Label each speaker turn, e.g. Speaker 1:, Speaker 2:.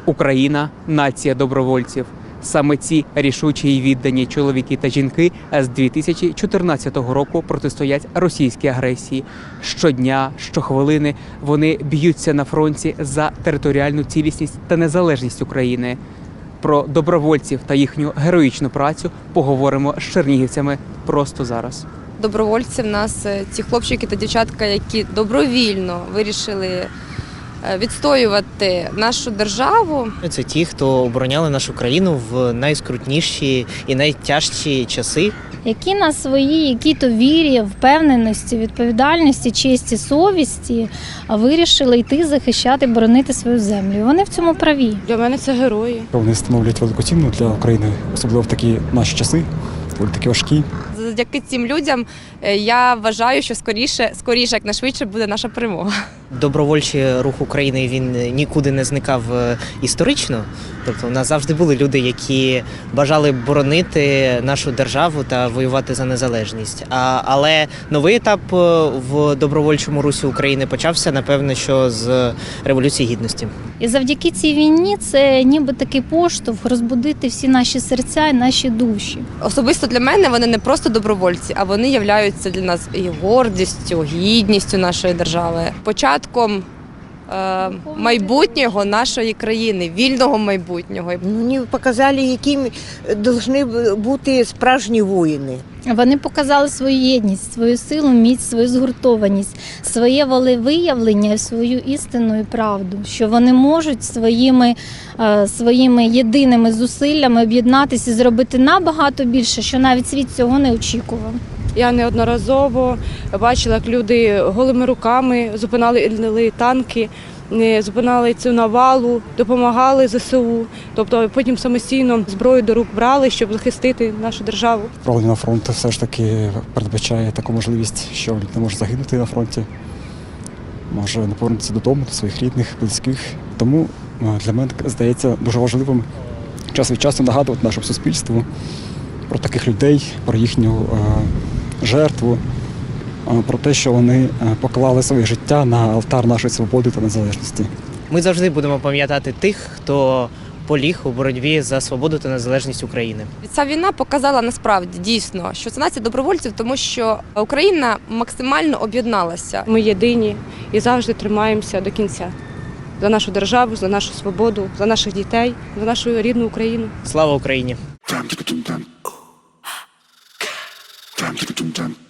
Speaker 1: Україна – нація добровольців. Саме ці рішучі й віддані чоловіки та жінки з 2014 року протистоять російській агресії. Щодня, щохвилини вони б'ються на фронті за територіальну цілісність та незалежність України. Про добровольців та їхню героїчну працю поговоримо з чернігівцями просто зараз.
Speaker 2: Добровольці в нас ці хлопчики та дівчатка, які добровільно вирішили відстоювати нашу державу.
Speaker 3: Це ті, хто обороняли нашу країну в найскрутніші і найтяжчі часи.
Speaker 4: Які на своїй якій-то вірі, впевненості, відповідальності, честі, совісті вирішили йти захищати, боронити свою землю. І вони в цьому праві.
Speaker 2: Для мене це герої.
Speaker 5: Вони становлять велику ціну для України, особливо в такі наші часи, коли такі важкі.
Speaker 2: Завдяки цим людям я вважаю, що скоріше, якнайшвидше буде наша перемога.
Speaker 3: Добровольчий рух України, він нікуди не зникав історично. Тобто у нас завжди були люди, які бажали боронити нашу державу та воювати за незалежність. Але новий етап в добровольчому русі України почався, напевно, що з Революції Гідності.
Speaker 4: І завдяки цій війні це ніби такий поштовх розбудити всі наші серця і наші душі.
Speaker 2: Особисто для мене вони не просто добровольці, а вони являються для нас і гордістю, гідністю нашої держави. Початком майбутнього нашої країни, вільного майбутнього.
Speaker 6: Вони показали, якими повинні бути справжні воїни.
Speaker 4: Вони показали свою єдність, свою силу, міць, свою згуртованість, своє волевиявлення, свою істину і правду, що вони можуть своїми єдиними зусиллями об'єднатися і зробити набагато більше, що навіть світ цього не очікував.
Speaker 7: Я неодноразово бачила, як люди голими руками зупинали танки, зупинали цю навалу, допомагали ЗСУ. Тобто потім самостійно зброю до рук брали, щоб захистити нашу державу.
Speaker 5: Відправлення на фронт все ж таки передбачає таку можливість, що людина може загинути на фронті, може не повернутися додому, до своїх рідних, близьких. Тому для мене здається дуже важливим час від часу нагадувати нашому суспільству про таких людей, про їхню жертву, про те, що вони поклали своє життя на алтар нашої свободи та незалежності.
Speaker 3: Ми завжди будемо пам'ятати тих, хто поліг у боротьбі за свободу та незалежність України.
Speaker 2: Ця війна показала насправді дійсно, що це нація добровольців, тому що Україна максимально об'єдналася.
Speaker 7: Ми єдині і завжди тримаємося до кінця. За нашу державу, за нашу свободу, за наших дітей, за нашу рідну Україну.
Speaker 3: Слава Україні!
Speaker 8: Time